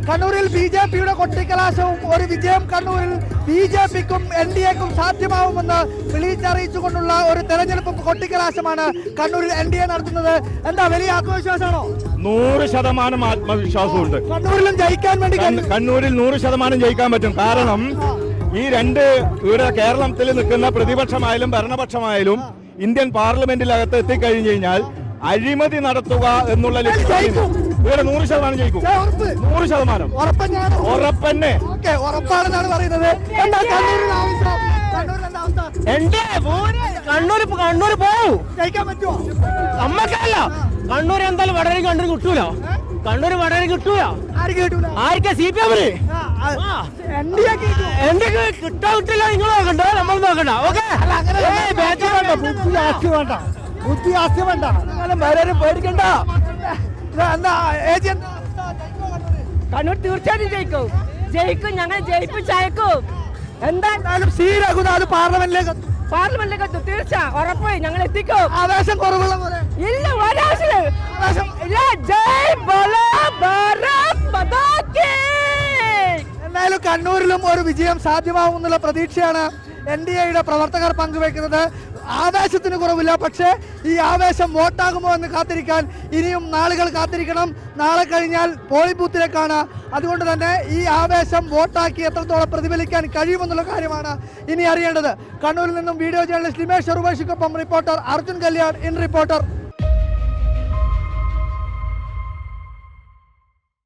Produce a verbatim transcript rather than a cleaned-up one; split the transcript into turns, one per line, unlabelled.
കണ്ണൂരിൽ B J പിയുടെ കൊട്ടിക്കലാശവും ഒരു വിജയം കണ്ണൂരിൽ ബി ജെ പിക്കും എൻ ഡി എക്കും സാധ്യമാവുമെന്ന് വിളിച്ചറിയിച്ചുകൊണ്ടുള്ള ഒരു തെരഞ്ഞെടുപ്പ് കൊട്ടിക്കലാശമാണ് കണ്ണൂരിൽ എൻ ഡി എ നടത്തുന്നത്. എന്താ വലിയ ആത്മവിശ്വാസമാണോ?
നൂറ് ശതമാനം ആത്മവിശ്വാസമുണ്ട്.
കണ്ണൂരിലും ജയിക്കാൻ വേണ്ടി
കണ്ണൂരിൽ നൂറ് ശതമാനം ജയിക്കാൻ പറ്റും. കാരണം ഈ രണ്ട് ഇവിടെ കേരളത്തിൽ നിൽക്കുന്ന പ്രതിപക്ഷമായാലും ഭരണപക്ഷമായാലും ഇന്ത്യൻ പാർലമെന്റിലകത്ത് എത്തിക്കഴിഞ്ഞു കഴിഞ്ഞാൽ അഴിമതി നടത്തുക എന്നുള്ള ലക്ഷ്യം ഇവിടെ നൂറ് ശതമാനം ജയിക്കും. നൂറ് ശതമാനം ഉറപ്പന്നെ
ഉറപ്പാണെന്നാണ് പറയുന്നത്.
കണ്ണൂർ കണ്ണൂർ പോവും
ജയിക്കാൻ പറ്റുമോ?
നമ്മക്കല്ല കണ്ണൂർ എന്തായാലും വടകര കണ്ണൂർ കിട്ടൂല. കണ്ണൂർ വടകര കിട്ടൂല. ആർക്കാ സി പി എമ്മിന് കിട്ടാ കിട്ടില്ല. നിങ്ങൾ നോക്കണ്ട, നമ്മൾ നോക്കണ്ട. ഓക്കെ
വേണ്ട ബുദ്ധി ആസ്തി വേണ്ട
പേടിക്കണ്ട.
ഏജന്റ്
കണ്ണൂർ തീർച്ചയായിട്ടും ജയിക്കും. ജയിക്കും, ഞങ്ങൾ ജയിപ്പിച്ചയക്കും.
എന്തായാലും സി രഘുനാഥ് പാർലമെന്റിലേക്ക്
പാർലമെന്റിലേക്ക് എത്തും. തീർച്ച ഉറപ്പ് ഞങ്ങൾ എത്തിക്കും.
ആവേശം കുറവുള്ള പോലെ
ഇല്ല, ഒരാവശ്യം ഇല്ല. ജയ് ബോലോ ഭാരത് മാതാ കീ.
എന്തായാലും കണ്ണൂരിലും ഒരു വിജയം സാധ്യമാവുമെന്നുള്ള പ്രതീക്ഷയാണ് എൻ ഡി എയുടെ പ്രവർത്തകർ പങ്കുവെക്കുന്നത്. ആവേശത്തിന് കുറവില്ല, പക്ഷേ ഈ ആവേശം വോട്ടാകുമോ എന്ന് കാത്തിരിക്കാൻ ഇനിയും നാളുകൾ കാത്തിരിക്കണം. നാളെ കഴിഞ്ഞാൽ പോളിംഗ് ബൂത്തിലേക്കാണ്. അതുകൊണ്ട് തന്നെ ഈ ആവേശം വോട്ടാക്കി എത്രത്തോളം പ്രതിഫലിക്കാൻ കഴിയുമെന്നുള്ള കാര്യമാണ് ഇനി അറിയേണ്ടത്. കണ്ണൂരിൽ നിന്നും വീഡിയോ ജേർണലിസ്റ്റ് ലിമേഷ് ഉർവശിക്കൊപ്പം reporter Arjun Kalyan, in reporter.